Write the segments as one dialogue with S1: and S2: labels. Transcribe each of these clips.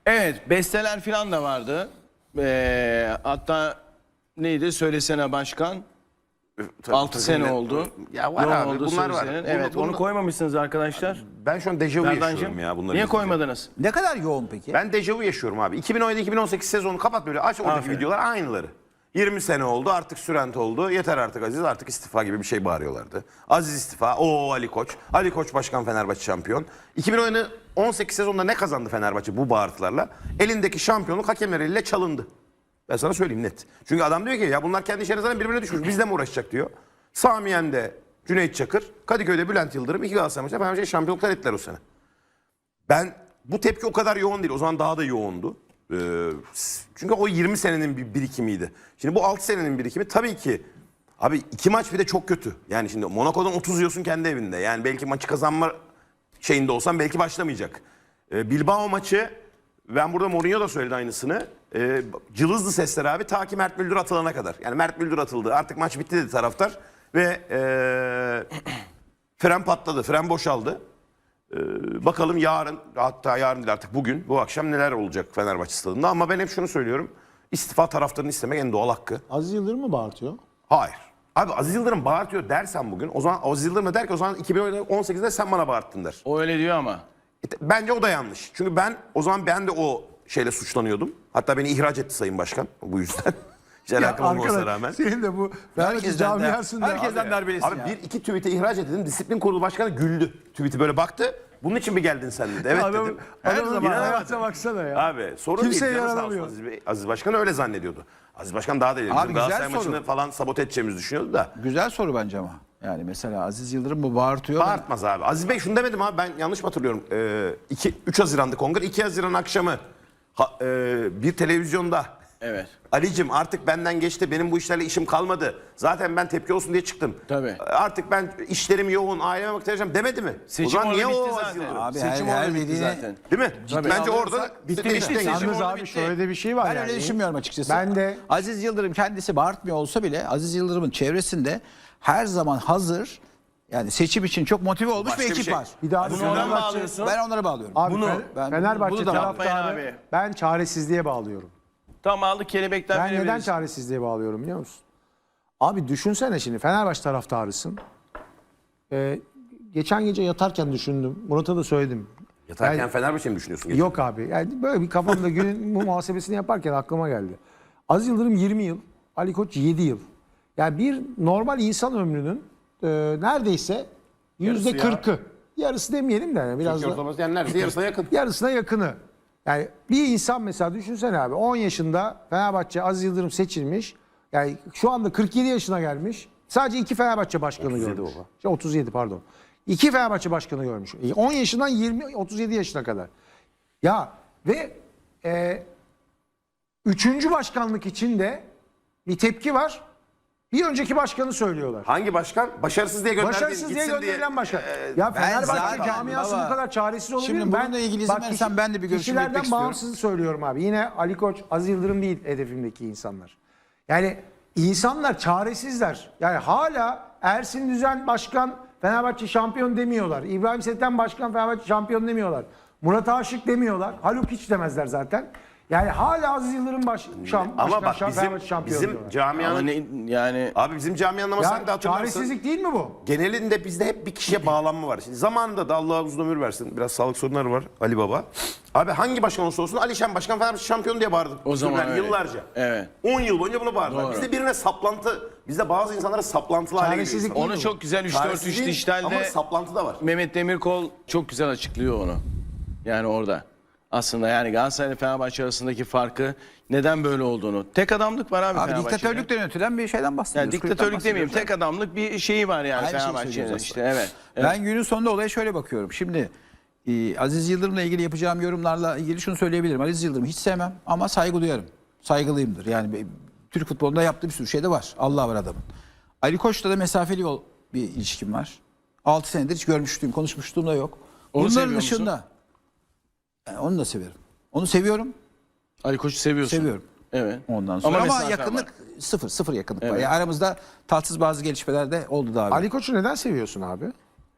S1: Evet, besteler falan da vardı. Hatta neydi? Söylesene başkan. 6 sene oldu.
S2: Ya var
S1: Yoğun
S2: abi,
S1: oldu
S2: bunlar var.
S1: sözlerin. Evet, onu koymamışsınız arkadaşlar.
S2: Ben şu an dejavu yaşıyorum
S1: Berdancığım,
S2: ya bunları
S1: niye
S2: izleyince.
S1: koymadınız?
S3: Ne kadar yoğun peki?
S2: Ben dejavu yaşıyorum abi. 2017-2018 sezonu kapat böyle aç oradaki
S1: Aferin.
S2: videolar aynıları. 20 sene oldu artık Sürent oldu. Yeter artık Aziz artık istifa gibi bir şey bağırıyorlardı. Aziz istifa. Oo Ali Koç. Ali Koç başkan Fenerbahçe şampiyon. 2018 sezonunda ne kazandı Fenerbahçe bu bağırtılarla? Elindeki şampiyonluk hakemler eliyle çalındı. Ben sana söyleyeyim net. Çünkü adam diyor ki ya bunlar kendi işlerine zaten birbirine düşmüş. Bizle mi uğraşacak diyor. Sami Yen'de Cüneyt Çakır, Kadıköy'de Bülent Yıldırım 2 Galatasaray maçında Fenerbahçe'ye şampiyonluklar ettiler o sene. Ben bu tepki o kadar yoğun değil. O zaman daha da yoğundu. Çünkü o 20 senenin bir birikimiydi. Şimdi bu 6 senenin birikimi tabii ki abi 2 maç bir de çok kötü. Yani şimdi Monaco'dan 30 yiyorsun kendi evinde. Yani belki maçı kazanma şeyinde olsan belki başlamayacak. Bilbao maçı ben burada Mourinho da söyledi aynısını. Cılızdı sesler abi ta ki Mert Müldür atılana kadar. Yani Mert Müldür atıldı. Artık maç bitti dedi taraftar. Ve fren patladı. Fren boşaldı. Bakalım yarın, hatta yarın değil artık bugün, bu akşam neler olacak Fenerbahçe stadında. Ama ben hep şunu söylüyorum. İstifa taraftarını istemek en doğal hakkı.
S4: Aziz Yıldırım mı bağırtıyor?
S2: Hayır. Abi Aziz Yıldırım bağırtıyor dersen bugün, o zaman Aziz Yıldırım der ki o zaman 2018'de sen bana bağırttın der.
S1: O öyle diyor ama.
S2: Bence o da yanlış. Çünkü o zaman ben de o şeyle suçlanıyordum. Hatta beni ihraç etti Sayın Başkan bu yüzden. Hiç alakam olmasına rağmen.
S4: Senin de bu Fenerbahçe camiasında.
S3: Herkesten darbelisin
S2: Abi
S3: ya.
S2: bir iki tweet'e ihraç edildim. Disiplin Kurulu Başkanı güldü. Tweet'i böyle baktı. Bunun için mi geldin sen dedi. Evet dedim.
S4: Adamın
S2: İnanamadım.
S4: hayata baksana ya.
S2: Abi sorun
S4: Kimseye
S2: değil. Canı sağ olsun
S4: yaranamıyor.
S2: Aziz Bey. Aziz Başkan öyle zannediyordu. Aziz Başkan daha da ileri.
S3: Abi
S2: Bizim
S3: güzel
S2: Galatasaray
S3: soru.
S2: maçını falan sabote edeceğimizi düşünüyordu da.
S3: Güzel soru bence ama. Yani mesela Aziz Yıldırım bu bağırtıyor.
S2: Bağırtmaz abi. Aziz Bey şunu demedim abi, ben yanlış mı hatırlıyorum? 3 Haziran'da kongre, 2 Haziran akşamı bir televizyonda
S1: Evet.
S2: Ali'cim artık benden geçti, benim bu işlerle işim kalmadı. Zaten ben tepki olsun diye çıktım.
S1: Tabii.
S2: Artık ben işlerim yoğun, aileme vakit ayıracağım demedi mi?
S1: Seçim
S2: o zaman
S1: orada
S2: niye
S1: bitti
S2: o
S1: zaten.
S2: Aziz Yıldırım?
S3: Abi
S1: Seçim
S3: her
S1: orada bitti
S3: dediğine-
S1: zaten.
S2: Değil mi?
S1: Tabii.
S2: Bence
S1: Alırsa
S2: orada
S1: bitti,
S2: değişti.
S1: bitti. Seçim
S4: Yalnız
S1: orada
S4: abi
S1: bitti.
S4: şöyle de bir şey var
S3: Ben
S4: yani.
S3: öyle düşünmüyorum açıkçası.
S4: Ben de
S3: Aziz Yıldırım kendisi bağırtmıyor olsa bile Aziz Yıldırım'ın çevresinde her zaman hazır, yani seçim için çok motive olmuş
S2: Başka
S3: bir
S2: bir
S3: ekip
S2: şey.
S3: var.
S4: bir daha
S1: Bunu ona mı bağlıyorsun?
S3: Ben onlara bağlıyorum.
S4: abi
S3: ben-
S4: Fenerbahçe
S3: bunu da
S1: yapmayın
S4: taraftarı
S1: abi.
S4: ben çaresizliğe bağlıyorum.
S1: Tam aldık kelebekten
S4: Ben neden
S1: verebiliriz.
S4: çaresizliğe bağlıyorum biliyor musun? Abi düşünsene şimdi Fenerbahçe taraftarısın. Geçen gece yatarken düşündüm. Murat'a da söyledim.
S2: Yatarken
S4: Yani-
S2: Fenerbahçe mi düşünüyorsun?
S4: Yok abi. Yani böyle bir kafamda günün bu muhasebesini yaparken aklıma geldi. Aziz Yıldırım 20 yıl, Ali Koç 7 yıl. Yani bir normal insan ömrünün neredeyse %40'ı. Yarısı demeyelim de yani biraz
S2: Türkiye
S4: da
S2: ortalaması yani neredeyse yarısına yakın.
S4: yarısına yakını. Yani bir insan mesela düşünsene abi 10 yaşında Fenerbahçe Aziz Yıldırım seçilmiş. Yani şu anda 47 yaşına gelmiş. Sadece 2 Fenerbahçe başkanı
S2: 37
S4: görmüş.
S2: baba.
S4: 37 pardon. 2 Fenerbahçe başkanı görmüş. 10 yaşından 37 yaşına kadar. Ya ve üçüncü başkanlık için de bir tepki var. Bir önceki başkanı söylüyorlar.
S2: Hangi başkan? Başarısız diye gönderdi.
S4: Başarısız diye
S2: gitsin
S4: gönderilen başkan. Ya
S3: ben
S4: Fenerbahçe
S3: zaten
S4: camiası
S3: baba,
S4: bu kadar çaresiz olabilir
S3: şimdi
S4: mi?
S3: bununla ilgili izin verirsen ben de bir görüşümü
S4: kişilerden
S3: belirtmek istiyorum.
S4: bağımsız söylüyorum abi. Yine Ali Koç, Aziz Yıldırım değil hedefimdeki insanlar. Yani insanlar çaresizler. Yani hala Ersin Düzen başkan Fenerbahçe şampiyon demiyorlar. İbrahim Seten başkan Fenerbahçe şampiyon demiyorlar. Murat Aşık demiyorlar. Haluk hiç demezler zaten. Yani hala Aziz Yıldırım
S2: Ama bak
S4: Fenerbahçe şampiyon
S2: bizim
S4: diyorlar.
S2: camianın...
S1: Ama yani
S2: Abi bizim camianın ama sen de
S4: Ya
S2: hatırlarsın.
S4: çaresizlik değil mi bu?
S2: Genelinde bizde hep bir kişiye bağlanma var. Şimdi zamanında da Allah uzun ömür versin. Biraz sağlık sorunları var Ali Baba. Abi hangi başkan olursa olsun Ali Şen Başkan Fenerbahçe şampiyon diye bağırdık.
S1: O zaman
S2: Yani
S1: öyle.
S2: yıllarca.
S1: Evet.
S2: 10 yıl boyunca bunu bağırdılar.
S1: Doğru.
S2: Bizde birine saplantı, bizde bazı insanlara saplantılı hale geliyor.
S4: Çaresizlik
S2: insanlar.
S1: onu çok güzel 3-4-3
S2: Çaresizlik değil,
S1: dijitalde
S2: ama saplantı da var.
S1: Mehmet Demirkol çok güzel açıklıyor onu. Yani orada. Aslında yani Galatasaray ile Fenerbahçe arasındaki farkı neden böyle olduğunu. Tek adamlık var abi,
S3: Abi
S1: Fenerbahçe'de.
S3: diktatörlükten yönetilen bir şeyden bahsediyoruz.
S1: Yani
S3: kulüpten
S1: diktatörlük demeyeyim.
S3: bahsediyoruz.
S1: Tek adamlık bir şeyi var yani
S3: Aynı şeyi
S1: Fenerbahçe'nin
S3: söylüyoruz
S1: işte.
S3: aslında.
S1: Evet.
S3: Ben günün sonunda olaya şöyle bakıyorum. Şimdi Aziz Yıldırım'la ilgili yapacağım yorumlarla ilgili şunu söyleyebilirim. Aziz Yıldırım'ı hiç sevmem ama saygı duyarım. Saygılıyımdır. Yani Türk futbolunda yaptığı bir sürü şey de var. Allah var adamın. Ali Koç'la da mesafeli bir ilişkim var. 6 senedir hiç görmüştüm, konuşmuşluğum da yok.
S1: Onu
S3: Bunların
S1: seviyor musun?
S3: dışında onu da severim. Onu seviyorum.
S1: Ali Koç'u seviyorsun.
S3: Seviyorum.
S1: Evet.
S3: Ondan sonra ama
S1: mesafe
S3: yakınlık
S1: var.
S3: sıfır yakınlık var.
S1: Evet.
S3: Yani aramızda tatsız bazı gelişmeler de oldu daha.
S4: Ali Koç'u neden seviyorsun abi?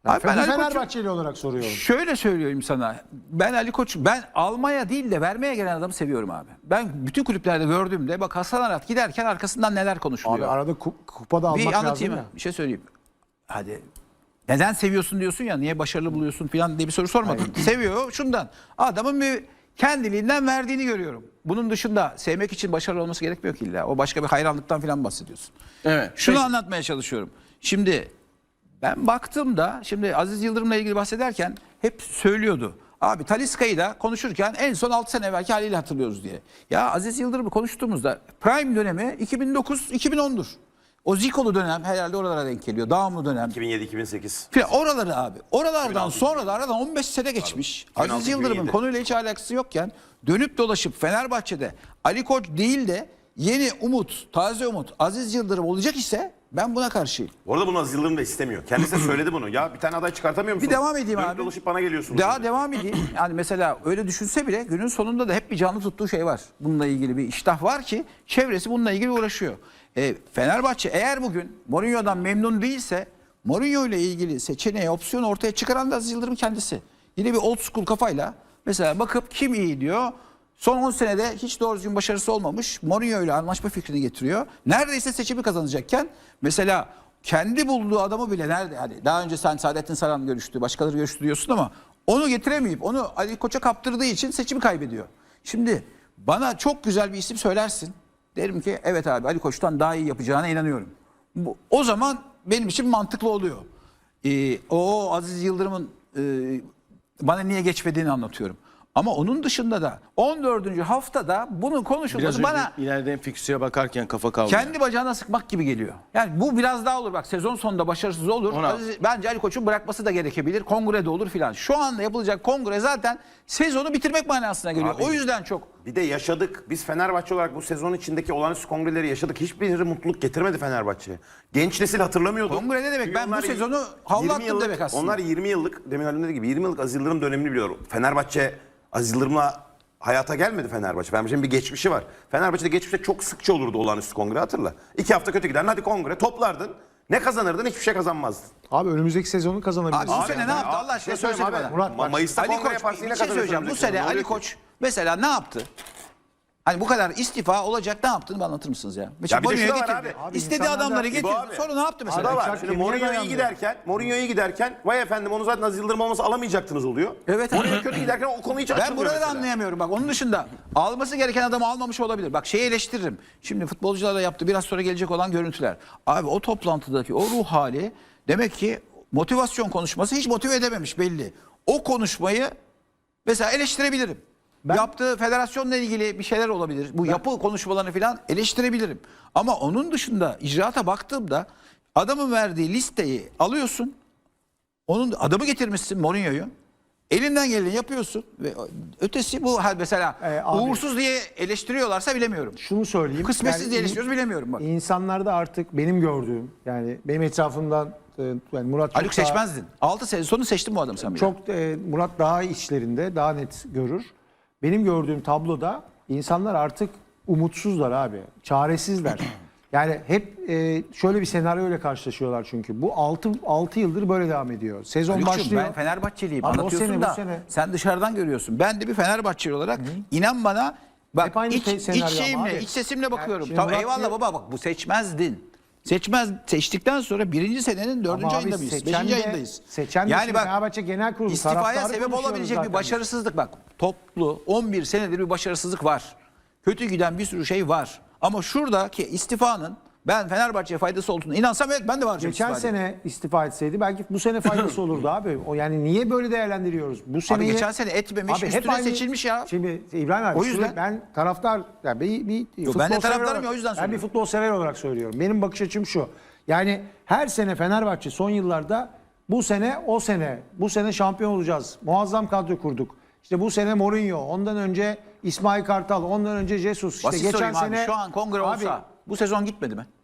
S3: Abi ben Ali Koç'u
S4: Fenerbahçeli olarak soruyorum.
S3: şöyle söylüyorum sana. Ben Ali Koç'u ben almaya değil de vermeye gelen adamı seviyorum abi. Ben bütün kulüplerde gördüğümde bak Hasan Arat giderken arkasından neler
S4: Abi
S3: konuşuluyor.
S4: arada kupa da almak
S3: Bir
S4: lazım
S3: anlatayım
S4: ya.
S3: mı? Bir şey söyleyeyim. Hadi. Neden seviyorsun diyorsun ya, niye başarılı buluyorsun falan diye bir soru sormadın. Seviyor şundan. Adamın bir kendiliğinden verdiğini görüyorum. Bunun dışında sevmek için başarılı olması gerekmiyor ki illa. O başka bir hayranlıktan falan bahsediyorsun.
S1: Evet.
S3: Şunu anlatmaya çalışıyorum. Şimdi ben baktığımda şimdi Aziz Yıldırım'la ilgili bahsederken hep söylüyordu. Abi Talisca'yı da konuşurken en son 6 sene evvelki haliyle hatırlıyoruz diye. Ya Aziz Yıldırım'ı konuştuğumuzda prime dönemi 2009-2010'dur. O Zikolu dönem herhalde oralara denk geliyor. Dağımlı dönem.
S2: 2007-2008.
S3: Filan oraları abi. Oralardan sonra da aradan 15 sene geçmiş.
S2: Abi,
S3: Aziz Yıldırım'ın
S2: 2006,
S3: konuyla hiç alakası yokken dönüp dolaşıp Fenerbahçe'de Ali Koç değil de yeni umut, taze umut Aziz Yıldırım olacak ise ben buna karşıyım.
S2: Bu arada bunu Aziz Yıldırım da istemiyor. Kendisi de söyledi bunu. Ya bir tane aday çıkartamıyor musun?
S3: Bir devam edeyim
S2: Dönüp
S3: abi.
S2: dolaşıp bana geliyorsunuz.
S3: Daha
S2: şimdi.
S3: devam edeyim. Yani mesela öyle düşünse bile günün sonunda da hep bir canlı tuttuğu şey var. Bununla ilgili bir iştah var ki çevresi bununla ilgili uğraşıyor. Fenerbahçe eğer bugün Mourinho'dan memnun değilse Mourinho ile ilgili seçeneği, opsiyonu ortaya çıkaran da Aziz Yıldırım kendisi. Yine bir old school kafayla mesela bakıp kim iyi diyor. Son 10 senede hiç doğru düzgün başarısı olmamış. Mourinho ile anlaşma fikrini getiriyor. Neredeyse seçimi kazanacakken mesela kendi bulduğu adamı bile nerede? Hani daha önce sen Saadettin Saran görüştü, başkaları görüştü diyorsun ama onu getiremeyip onu Ali Koç'a kaptırdığı için seçimi kaybediyor. Şimdi bana çok güzel bir isim söylersin. Derim ki evet abi Ali Koç'tan daha iyi yapacağına inanıyorum. O zaman benim için mantıklı oluyor. O Aziz Yıldırım'ın bana niye geçmediğini anlatıyorum. Ama onun dışında da 14. haftada bunun
S1: Biraz
S3: konuşulması
S1: önce
S3: bana
S1: ileriden fiksüye bakarken kafa kavga.
S3: kendi bacağına sıkmak gibi geliyor. Yani bu biraz daha olur bak sezon sonunda başarısız olur. Bence Ali Koç'un bırakması da gerekebilir. Kongrede olur filan. Şu anda yapılacak kongre zaten sezonu bitirmek manasına geliyor.
S2: Abi,
S3: o yüzden çok.
S2: Bir de yaşadık. Biz Fenerbahçe olarak bu sezon içindeki olağanüstü kongreleri yaşadık. Hiçbiri mutluluk getirmedi Fenerbahçe'ye. Genç nesil hatırlamıyordu.
S3: Kongre ne demek?
S2: Çünkü
S3: Ben bu
S2: onlar
S3: sezonu havlu
S2: 20
S3: attım
S2: yıllık-
S3: demek aslında.
S2: Onlar 20 yıllık, demin Halim dediği gibi 20 yıllık Aziz Yıldırım dönemini biliyor. Fenerbahçe Aziz Yıldırım'la hayata gelmedi Fenerbahçe. Fenerbahçe'nin bir geçmişi var. Fenerbahçe'de geçmişte çok sıkça olurdu olağanüstü kongre hatırla. 2 hafta kötü giderdin hadi kongre toplardın. Ne kazanırdın? Hiçbir şey kazanmazdın.
S4: Abi önümüzdeki sezonu kazanabiliriz.
S3: Abi bu sene ne yaptı Allah aşkına söylesene bana.
S4: Murat bak,
S2: Mayıs'ta
S3: Ali
S2: kongre
S3: Koç
S2: yaparsın yine
S3: bir şey söyleyeceğim. Bu
S2: kazanırsın.
S3: sene
S2: Ne
S3: Ali
S2: oluyor ki?
S3: Koç mesela ne yaptı? Hani bu kadar istifa olacak ne yaptığını bana anlatır mısınız ya? Mesela
S2: bir de şu
S3: Mourinho'yu
S2: da var
S3: getirdi.
S2: abi.
S3: İstediği
S4: insanlar da-
S3: adamları
S2: İbo
S3: getirdi.
S2: abi.
S3: Sonra ne yaptı mesela?
S2: Ada var.
S4: Çak
S2: Şimdi
S4: kemiğe
S2: Mourinho'ya
S4: dayanmıyor.
S2: giderken vay efendim onu zaten Aziz Yıldırım olmasa alamayacaktınız oluyor.
S3: Evet.
S2: Mourinho kötü giderken o konu hiç
S3: Ben
S2: açılmıyor
S3: buraları
S2: mesela.
S3: anlayamıyorum. Bak onun dışında alması gereken adamı almamış olabilir. Bak şeyi eleştiririm. Şimdi futbolcularla yaptı biraz sonra gelecek olan görüntüler. Abi o toplantıdaki o ruh hali demek ki motivasyon konuşması hiç motive edememiş belli. O konuşmayı mesela eleştirebilirim. Yaptığı federasyonla ilgili bir şeyler olabilir. Bu yapı konuşmalarını falan eleştirebilirim. Ama onun dışında icraata baktığımda adamın verdiği listeyi alıyorsun. Onun adamı getirmişsin Mourinho'yu. Elinden geleni yapıyorsun ve ötesi bu mesela
S4: abi-
S3: uğursuz diye eleştiriyorlarsa bilemiyorum.
S4: Şunu söyleyeyim.
S3: Kısmetsiz
S4: Yani
S3: diye eleştiriyoruz bilemiyorum bak.
S4: İnsanlarda artık benim gördüğüm yani benim etrafımdan yani Murat çok
S3: Haluk
S4: daha-
S3: seçmezdin. 6 sene sonu seçtin bu adamı sen bile.
S4: Çok Murat daha işlerinde daha net görür. Benim gördüğüm tabloda insanlar artık umutsuzlar abi. Çaresizler. Yani hep şöyle bir senaryoyla karşılaşıyorlar çünkü. Bu 6 yıldır böyle devam ediyor. Sezon
S3: Haluk'cum,
S4: başlıyor.
S3: ben Fenerbahçeliyim
S4: Abi o
S3: anlatıyorsun
S4: sene, bu
S3: da
S4: sene.
S3: sen dışarıdan görüyorsun. Ben de bir Fenerbahçeli olarak inan bana bak
S4: Hep aynı
S3: iç
S4: senaryo ama
S3: şeyimle,
S4: abi.
S3: iç sesimle bakıyorum.
S4: şimdi
S3: Tamam
S4: Murat
S3: eyvallah
S4: diyor-
S3: baba bak bu seçmezdin. Seçtikten sonra birinci senenin 4.
S4: Ama abi
S3: ayında mıyız?
S4: seçen
S3: 5.
S4: de-
S3: ayındayız.
S4: seçen de
S3: yani
S4: şimdi
S3: bak
S4: Fenerbahçe Genel Kurulu
S3: istifaya
S4: taraftarı
S3: sebep
S4: konuşuyoruz
S3: olabilecek
S4: zaten
S3: bir
S4: biz.
S3: başarısızlık bak. Toplu 11 senedir bir başarısızlık var. Kötü giden bir sürü şey var. Ama şuradaki istifanın ben Fenerbahçe'ye faydası olduğunu inansam evet ben de varacağım
S4: Geçen
S3: istifaya.
S4: sene istifa etseydi belki bu sene faydası olurdu abi. O yani niye böyle değerlendiriyoruz? Bu seneyi
S3: geçen sene etmemiş, üstüne seçilmiş ya.
S4: Şimdi İbrahim abi
S3: O yüzden-
S4: şurada ben taraftar yani futbol
S3: ben de
S4: sever
S3: taraftarım
S4: olarak-
S3: ya, o yüzden
S4: Ben bir
S3: söylüyorum.
S4: futbol sever olarak söylüyorum. Benim bakış açım şu. Yani her sene Fenerbahçe son yıllarda bu sene o sene bu sene şampiyon olacağız. Muazzam kadro kurduk. İşte bu sene Mourinho, ondan önce İsmail Kartal, ondan önce Jesus. İşte
S3: Basit
S4: geçen
S3: sorayım abi
S4: sene
S3: şu an kongre
S4: Abi,
S3: olsa bu sezon gitmedi mi?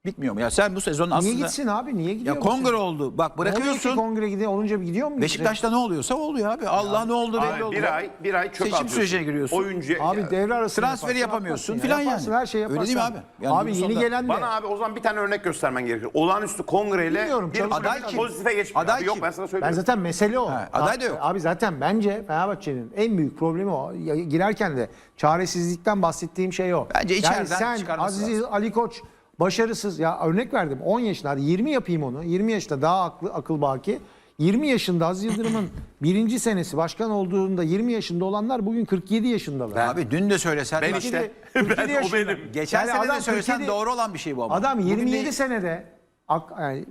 S3: Bitmiyor mu? Ya sen bu sezon aslında...
S4: Niye gitsin abi? Niye gidiyor?
S3: Ya
S4: bu
S3: kongre
S4: sene?
S3: oldu. Bak
S4: Ne oluyor ki
S3: bırakıyorsun.
S4: kongre gidiyor olunca gidiyor mu?
S3: Beşiktaş'ta ne oluyorsa oluyor abi. Allah ne oldu belli
S2: Abi,
S3: oldu.
S2: bir ay çöp
S3: Seçim
S2: atıyorsun.
S3: sürecine giriyorsun.
S2: Oyuncu
S4: Abi devre arası
S3: Transferi yapamıyorsun filan yani.
S4: Her şey yaparsın.
S3: Öyle değil mi abi? Yani
S4: abi
S3: bunun
S4: yeni
S3: sonunda-
S4: gelen de.
S2: Bana abi o zaman bir tane örnek göstermen gerekiyor. Olağanüstü kongreyle
S4: Bilmiyorum,
S2: bir
S4: çalışma-
S3: Aday kim?
S2: pozitife geçmiyor.
S3: Aday
S2: Abi yok
S3: kim?
S2: ben sana
S4: Ben
S2: söylüyorum.
S4: zaten mesele o.
S3: aday da yok.
S4: Abi zaten bence Fenerbahçe'nin en büyük problemi o. Girerken de çaresizlikten bahsettiğim şey o.
S3: Bence içeriden
S4: yani sen
S3: çıkarması
S4: Aziz Ali Koç başarısız ya örnek verdim 10 yaşında hadi 20 yapayım onu. 20 yaşında daha akıl baki. 20 yaşında Aziz Yıldırım'ın birinci senesi başkan olduğunda 20 yaşında olanlar bugün 47 yaşındalar.
S3: Abi dün de söylesen.
S2: Ben
S3: bak,
S2: işte.
S4: 47
S2: o
S4: yaşında.
S2: benim.
S3: Geçen
S4: Yani
S3: sene
S4: adam
S3: de söylesen
S4: 47
S3: doğru olan bir şey bu ama.
S4: Adam
S3: Bugün
S4: 27
S3: de-
S4: senede yani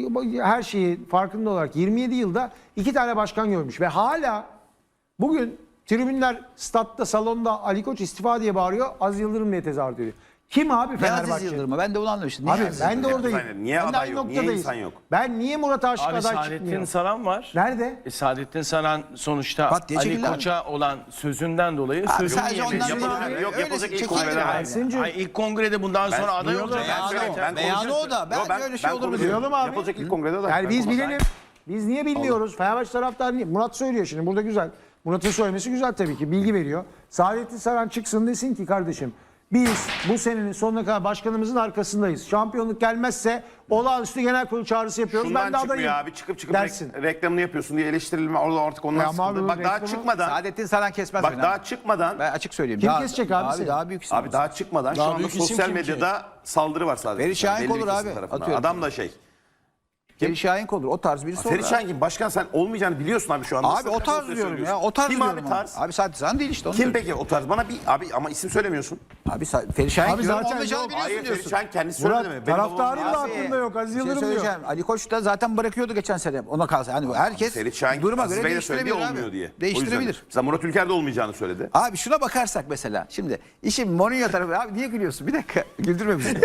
S4: her şeyi farkında olarak 27 yılda 2 tane başkan görmüş ve hala bugün tribünler statta salonda Ali Koç istifa diye bağırıyor. Aziz Yıldırım diye tezahür ediyor. Kim abi
S3: Ne Aziz
S4: Fenerbahçe?
S3: Yıldırım'a? Ben de onu anlamıştım. Niye
S4: Abi
S3: Aziz
S4: ben de
S3: Yıldırım?
S4: oradayım.
S2: Aynen. Niye
S4: Ben de
S2: aday
S4: aynı
S2: yok? Niye
S4: noktadayız.
S2: insan yok?
S4: Ben niye Murat Aşık
S1: Abi
S4: aday
S1: Saadettin
S4: çıkmıyor?
S1: Saran var.
S4: Nerede?
S1: Saadettin Saran sonuçta
S3: Bak diye
S1: Ali
S3: çekildi abi.
S1: Koç'a olan sözünden dolayı
S3: Abi
S1: sözünü
S3: sadece
S1: yemedi.
S3: ondan
S2: Yapılacak-
S3: dolayı
S2: yok,
S3: öyle
S2: yapılacak ilk
S3: çekildi
S2: kongreler
S3: abi.
S2: var.
S4: Ersin'cim.
S1: Ay, ilk kongrede bundan sonra aday
S4: duyalım.
S1: olacak.
S3: Beyanı
S2: söyleyeyim,
S3: o.
S2: ben
S3: Beyanı
S2: konuşuyorum.
S3: o da.
S2: Yo,
S3: Bence öyle şey olur mu?
S2: konuşuyorum.
S4: Duyalım abi.
S2: Yapılacak ilk kongrede de.
S4: Yani biz
S2: Ben-
S4: bilelim. Biz niye bilmiyoruz? Fenerbahçe taraftarı niye? Murat söylüyor şimdi. Burada güzel. Murat'ın söylemesi güzel tabii ki. Bilgi veriyor. Saadettin Saran çıksın desin ki kardeşim biz bu senenin sonuna kadar başkanımızın arkasındayız. Şampiyonluk gelmezse olağanüstü genel kurul çağrısı yapıyoruz.
S2: Şundan
S4: ben de adayım.
S2: çıkmıyor abi. Çıkıp
S4: dersin.
S2: reklamını yapıyorsun diye eleştirilme orada artık onlar
S4: Ya ama
S2: sıkıldı.
S4: abi
S2: Bak daha
S4: reklamı-
S2: çıkmadan.
S3: Saadettin Saran kesmez
S2: Bak
S3: beni
S2: daha
S3: abi.
S2: çıkmadan.
S3: Ben açık söyleyeyim.
S4: Kim kesecek abi seni?
S3: Daha büyük isim
S2: Abi daha çıkmadan şu
S1: Daha
S2: anda
S1: büyük isim
S2: sosyal
S1: kim ki?
S2: medyada saldırı var sadece.
S3: Ferit Şahin
S2: Belli bir
S3: olur
S2: kesim
S3: abi,
S2: tarafından.
S3: atıyorum.
S2: Adam da şey.
S3: Ferit Şahin olur. O tarz birisi olur.
S2: Ferit Şahin kim? Başkan sen olmayacağını biliyorsun abi şu anda.
S3: Abi o tarz diyorum ya. O tarz
S2: Kim
S3: diyorum
S2: abi
S3: ama.
S2: tarz?
S3: Abi Saadettin Saran değil işte. Onu
S2: Kim
S3: diyorum.
S2: peki o tarz? Bana bir abi ama isim söylemiyorsun.
S3: Abi Ferit Şahin
S4: Abi
S3: diyorum.
S4: zaten
S3: Olmayacağını
S4: yok.
S3: biliyorsun
S2: Hayır
S3: diyorsun.
S2: Ferit Şahin kendisi
S4: Murat,
S2: söyledi mi? Benim
S4: taraftarın
S2: babam-
S4: da
S2: Abi,
S4: aklında yok. Aziz
S3: Bir şey
S4: Yıldırım diyor.
S3: söyleyeceğim. Ali Koç da zaten bırakıyordu geçen sene. Ona kalsa. Yani herkes
S2: Ferit Şahin
S3: duruma
S2: Aziz
S3: göre
S2: Bey de söyledi
S3: değiştirebilir
S2: olmuyor
S3: abi.
S2: diye. O yüzden.
S3: Değiştirebilir.
S2: Mesela Murat Ülker de olmayacağını söyledi.
S3: Abi şuna bakarsak mesela. Şimdi işin Mourinho tarafı. Abi niye gülüyorsun? Bir dakika. Güldürme bizi.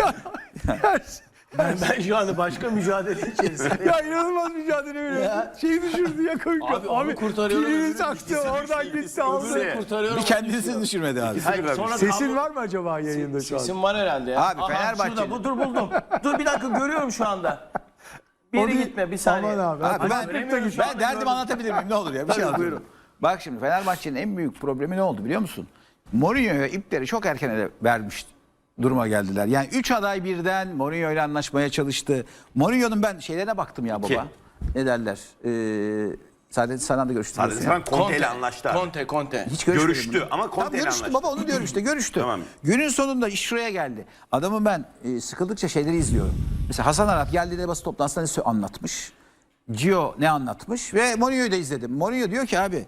S1: Ben şu anda başka mücadele içerisinde.
S3: Ya inanılmaz mücadele veriyor. Şeyi düşürdü ya kanka.
S1: Abi onu kurtarıyorum.
S3: pilini
S1: öbürünü
S3: taktı,
S1: ikisini
S3: oradan
S1: düşürdü.
S3: gitti, aldı.
S1: Öbürünü kurtarıyorum.
S3: Bir kendisini düşürmedi abi.
S1: Hayır, sonra
S4: Sesin
S1: kablo-
S4: var mı acaba yayında şu an?
S1: Sesim var herhalde ya.
S3: Abi, Fenerbahçe'nin-
S1: Şurada, dur buldum. Dur bir dakika görüyorum şu anda. Bir
S4: O
S1: yere
S4: değil.
S1: gitme bir saniye.
S4: Aman abi.
S3: Abi
S1: göremiyorum şu
S3: ben
S1: anda,
S3: derdimi
S1: gördüm.
S3: anlatabilir miyim? Ne olur ya bir şey anlatıyorum. Bak şimdi Fenerbahçe'nin en büyük problemi ne oldu biliyor musun? Mourinho'ya ipleri çok erken ele vermiş duruma geldiler. Yani 3 aday birden Mourinho ile anlaşmaya çalıştı. Mourinho'nun ben şeylerine baktım ya baba.
S2: Kim?
S3: Ne derler? Saadettin Saran'la görüştüm.
S2: Sadece sen Conte ile anlaştı abi.
S1: Conte.
S3: Hiç görüşmedim.
S2: Görüştü ama Conte
S3: Tamam,
S2: ile
S3: görüştü
S2: anlaştı.
S3: baba onu diyorum işte görüştü.
S2: Tamam.
S3: Günün sonunda iş şuraya geldi. Adamı ben sıkıldıkça şeyleri izliyorum. Mesela Hasan Arat geldiğinde basın toplantısında ne anlatmış. Gio ne anlatmış ve Mourinho'yu da izledim. Mourinho diyor ki abi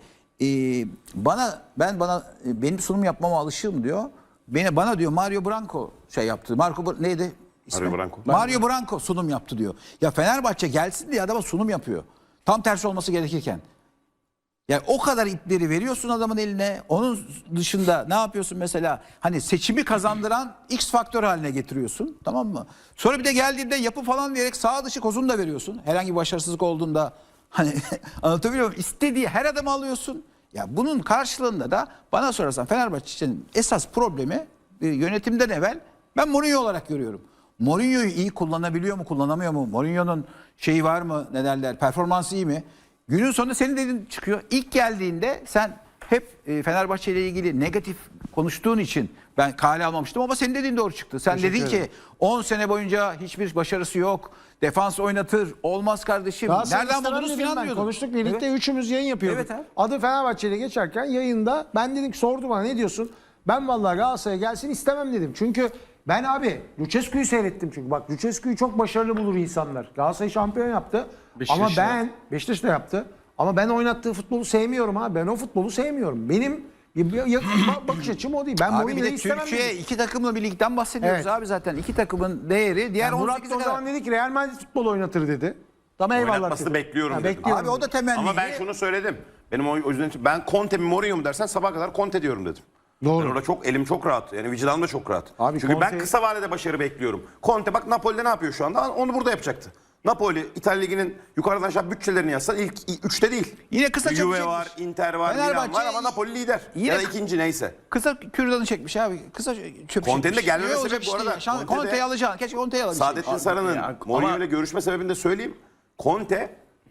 S3: benim sunum yapmama alışığım diyor. Bana diyor Mario Branco şey yaptı. Neydi? İsmi?
S2: Mario Branco.
S3: Mario Branco sunum yaptı diyor. Ya Fenerbahçe gelsin diye adama sunum yapıyor. Tam tersi olması gerekirken. Yani o kadar ipleri veriyorsun adamın eline. Onun dışında ne yapıyorsun mesela? Hani seçimi kazandıran X faktör haline getiriyorsun. Tamam mı? Sonra bir de geldiğinde yapı falan diyerek sağ dışı kozunu da veriyorsun. Herhangi bir başarısızlık olduğunda hani anlatabiliyor muyum? İstediği her adamı alıyorsun. Ya bunun karşılığında da bana sorarsan Fenerbahçe'nin esas problemi yönetimden evvel ben Mourinho olarak görüyorum. Mourinho'yu iyi kullanabiliyor mu, kullanamıyor mu? Mourinho'nun şeyi var mı, ne derler, performansı iyi mi? Günün sonunda senin dediğin çıkıyor. İlk geldiğinde sen hep Fenerbahçe ile ilgili negatif konuştuğun için ben kale almamıştım ama senin dediğin doğru çıktı. Sen dedin ki 10 sene boyunca hiçbir başarısı yok. Defans oynatır. Olmaz kardeşim. Nereden buldunuz falan diyordun.
S4: Konuştuk birlikte üçümüz yayın yapıyorduk.
S3: Evet abi.
S4: Adı Fenerbahçe ile geçerken yayında ben dedim ki sordu bana ne diyorsun? Ben vallahi Galatasaray'a gelsin istemem dedim. Çünkü ben abi Lucescu'yu seyrettim çünkü. Bak Lucescu'yu çok başarılı bulur insanlar. Galatasaray şampiyon yaptı. Ama ben Beşiktaş da yaptı. Ama ben oynattığı futbolu sevmiyorum ha. Ben o futbolu sevmiyorum. Benim bakış açım o değil. Ben
S3: Abi bir
S4: Mourinho'yu
S3: de
S4: istemem
S3: Türkiye
S4: dedim.
S3: iki takımlı bir ligden bahsediyoruz
S4: Evet.
S3: abi zaten. İki takımın değeri diğer
S4: Yani Murat
S3: 18'e
S4: da o
S3: kadar.
S4: zaman dedi ki Real Madrid futbol oynatır dedi. Tamam eyvallah.
S2: Oynatmasını
S4: dedi.
S2: bekliyorum dedim.
S4: bekliyorum
S3: Abi o da temenni.
S2: Ama ben şunu söyledim. Benim o yüzden ben Conte mi Mourinho mu dersen sabah kadar Conte diyorum dedim.
S4: Doğru.
S2: Ben orada çok elim çok rahat. Yani vicdanım da çok rahat.
S4: Abi
S2: Çünkü ben
S4: Conte-
S2: kısa vadede başarı bekliyorum. Conte bak Napoli'de ne yapıyor şu anda? Onu burada yapacaktı. Napoli, İtalya Ligi'nin yukarıdan aşağı bütçelerini yazsan ilk 3'te değil.
S3: Yine kısa çok
S2: Juve
S3: çekmiş.
S2: var, Inter var, Milan
S3: Fenerbahçe
S2: var ama Napoli lider.
S3: yine
S2: Ya da ikinci neyse.
S3: Kısa kürdanı çekmiş abi. Kısa çöp
S2: Conte'nin de
S3: çekmiş.
S2: gelmeme
S3: Ne
S2: sebep
S3: olacak
S2: bu arada.
S3: işte ya.
S2: Conte de-
S3: Conte'yi alacaksın. Keşke Conte'yi alabilsin.
S2: Saadettin Saran'ın
S1: ya,
S2: Mourinho
S1: ama-
S2: ile görüşme sebebini de söyleyeyim. Conte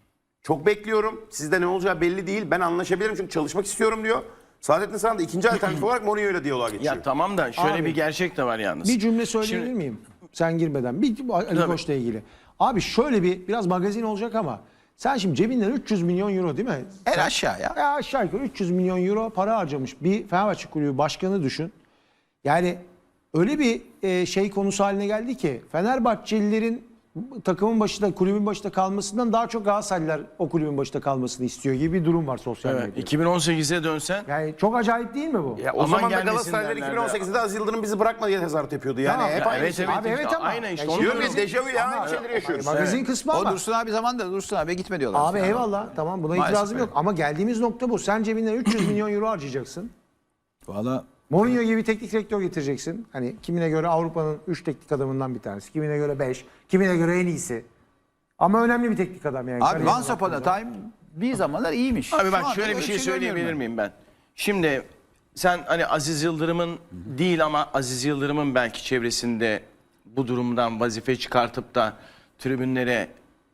S2: çok bekliyorum. Sizde ne olacağı belli değil. Ben anlaşabilirim çünkü çalışmak istiyorum diyor. Saadettin Saran da ikinci alternatif olarak Mourinho ile diyaloğa geçiyor.
S1: Ya tamam da şöyle
S4: Abi,
S1: bir gerçek de var yalnız.
S4: Bir cümle söyleyebilir
S1: Şimdi-
S4: miyim? Sen girmeden. Bir Ali
S1: Tabii.
S4: Koç'la ilgili. Abi şöyle biraz magazin olacak ama sen şimdi cebinden 300 milyon euro değil mi?
S3: En aşağı ya.
S4: Aşağı yukarı 300 milyon euro para harcamış bir Fenerbahçe kulübü başkanı düşün. Yani öyle bir şey konusu haline geldi ki Fenerbahçelilerin takımın başında, kulübün başında kalmasından daha çok Galatasaraylılar o kulübün başında kalmasını istiyor gibi bir durum var sosyal
S1: Evet,
S4: medyada.
S1: 2018'e dönsen
S4: Yani çok acayip değil mi bu?
S2: Ya o
S1: Aman
S2: zaman da
S1: gelmesin
S2: Galatasaraylar
S1: derlerdi.
S2: 2018'de Aziz Yıldırım bizi bırakma diye tezahürat yapıyordu. Yani
S4: Tamam.
S2: hep
S4: Ya
S2: aynı
S1: evet,
S2: şey.
S1: evet.
S4: Abi evet ama.
S1: Aynı işte,
S4: Ya
S1: onu
S2: Diyorum ya
S1: diyorum.
S2: dejavu ya
S4: Ama-
S2: aynı şeyleri yaşıyoruz.
S4: Magazin kısmı
S3: O
S4: ama.
S3: Dursun abi zamanında Dursun abi gitme diyorlar.
S4: Abi eyvallah tamam buna
S3: Maalesef
S4: itirazım
S3: öyle.
S4: yok ama geldiğimiz nokta bu. Sen cebinden 300 milyon euro harcayacaksın.
S3: Valla
S4: Mourinho gibi teknik direktör getireceksin. Hani kimine göre Avrupa'nın 3 teknik adamından bir tanesi. Kimine göre 5. Kimine göre en iyisi. Ama önemli bir teknik adam yani.
S3: abi
S4: Kariyerine
S3: once upon a
S4: baktığında.
S3: time bir zamanlar iyiymiş.
S1: Abi
S3: Şu
S1: bak
S3: anda
S1: şöyle bir
S3: öyle
S1: şey
S3: görmüyorum
S1: söyleyebilir
S3: ben.
S1: miyim ben? Şimdi sen hani Aziz Yıldırım'ın değil ama Aziz Yıldırım'ın belki çevresinde bu durumdan vazife çıkartıp da tribünlere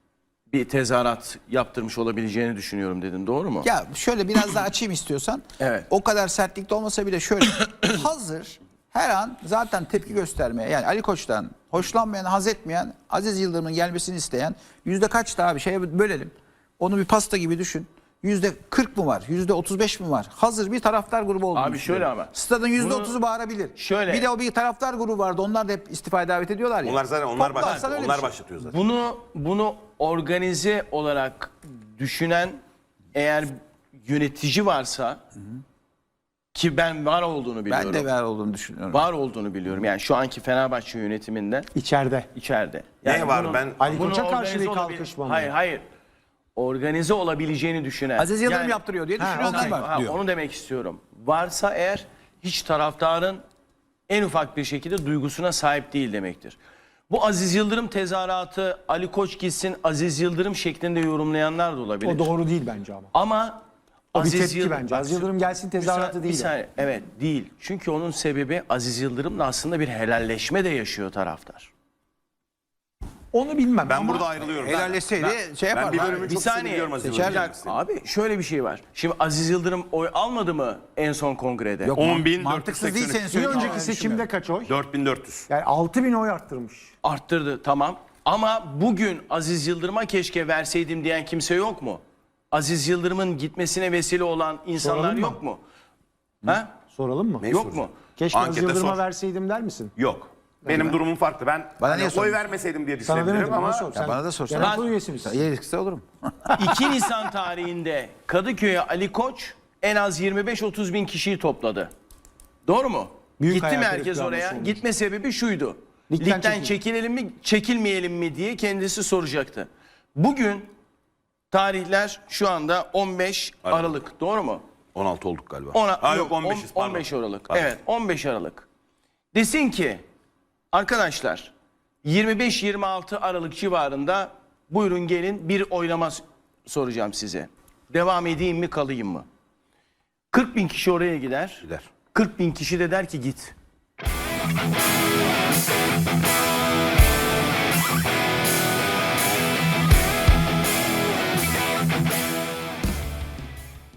S1: bir tezahürat yaptırmış olabileceğini düşünüyorum dedin. Doğru mu?
S3: Ya şöyle biraz daha açayım istiyorsan.
S1: Evet.
S3: O kadar sertlikte olmasa bile şöyle hazır her an zaten tepki göstermeye yani Ali Koç'tan hoşlanmayan, haz etmeyen, Aziz Yıldırım'ın gelmesini isteyen yüzde kaç daha bir şeye bölelim. Onu bir pasta gibi düşün. %40 mı var? %35 mi var? Hazır bir taraftar grubu olduğunu
S1: Abi şöyle
S3: düşünüyorum.
S1: ama.
S3: Stadın %30'u
S1: Bunu-
S3: bağırabilir.
S1: Şöyle.
S3: Bir de o bir taraftar grubu vardı. Onlar da hep istifaya davet ediyorlar ya.
S2: Onlar zaten onlar
S3: Toplarsan
S2: başlatıyor.
S3: öyle bir
S2: Onlar
S3: şey.
S2: başlatıyor zaten.
S1: Bunu organize olarak düşünen eğer yönetici varsa ki ben var olduğunu biliyorum.
S3: Ben de ver olduğunu düşünüyorum.
S1: Var olduğunu biliyorum. Yani şu anki Fenerbahçe yönetiminde
S4: İçeride.
S1: içeride.
S2: Ne var? Ben-
S4: Ali
S1: bunu
S4: Koç'a karşı
S1: organize
S4: bir
S1: olabil-
S4: kalkışma mı?
S1: Hayır. Organize olabileceğini düşünen.
S3: Aziz Yıldırım
S1: Yani-
S3: yaptırıyor diye
S4: Ha,
S3: düşünüyorlar
S4: okey.
S3: var diyor.
S1: Onu demek istiyorum. Varsa eğer hiç taraftarın en ufak bir şekilde duygusuna sahip değil demektir. Bu Aziz Yıldırım tezahüratı Ali Koç gitsin Aziz Yıldırım şeklinde yorumlayanlar da olabilir.
S4: O doğru değil bence ama.
S1: Ama
S4: O bir tepki
S1: Yıldırım-
S4: bence.
S1: Bak,
S4: Aziz Yıldırım gelsin tezahüratı
S1: bir
S4: değil.
S1: saniye. Evet değil. Çünkü onun sebebi Aziz Yıldırım'la aslında bir helalleşme de yaşıyor taraftar.
S4: Onu bilmem
S2: Ben
S4: ama
S2: burada ayrılıyorum.
S3: Helalleşseydi şey yapar.
S2: Ben bir bölümü
S1: Bir
S2: çok
S1: saniye.
S2: seviyorum Aziz
S3: Seçer-
S2: Yıldırım'ı.
S1: Abi şöyle bir şey var. Şimdi Aziz Yıldırım oy almadı mı en son kongrede?
S3: Yok,
S2: 10.483.
S3: mantıksız değil senin
S4: bir
S3: söylediğin.
S4: önceki seçimde kaç oy?
S2: 4400.
S4: Yani 6.000 oy arttırmış.
S1: Arttırdı tamam. Ama bugün Aziz Yıldırım'a keşke verseydim diyen kimse yok mu? Aziz Yıldırım'ın gitmesine vesile olan insanlar
S4: Soralım mı?
S1: yok mu? Ha?
S4: Soralım mı?
S2: Neyi
S1: Yok
S2: soracağım?
S1: mu?
S4: Keşke Aziz
S2: Ankete
S4: Yıldırım'a
S2: sor.
S4: verseydim der misin?
S2: Yok. Benim durumum farklı. Ben
S3: Bana
S2: hani
S3: niye
S2: oy
S3: sordun?
S2: vermeseydim diye
S4: Sana
S2: düşünebilirim
S4: demedim
S2: ama
S4: ama sor. Sen
S3: bana da sorsan.
S4: genel kurul üyesi misin?
S3: Yetkisi olurum.
S1: 2 Nisan tarihinde Kadıköy'e Ali Koç en az 25-30 bin kişiyi topladı. Doğru mu?
S4: Büyük
S1: Gitti mi
S4: hayal
S1: herkes
S4: kırıklığı
S1: oraya?
S4: olmuş.
S1: Gitme sebebi şuydu.
S4: Ligden
S1: Ligden çekilelim mi, çekilmeyelim mi diye kendisi soracaktı. Bugün tarihler şu anda 15 Aralık. Doğru mu?
S2: 16 olduk galiba.
S1: Yok,
S2: 15'iz pardon.
S1: 15 Aralık.
S2: Pardon.
S1: Evet 15 Aralık. Desin ki arkadaşlar 25-26 Aralık civarında buyurun gelin bir oylama soracağım size. Devam edeyim mi kalayım mı? 40 bin kişi oraya gider.
S2: Gider.
S1: 40 bin kişi de der ki git.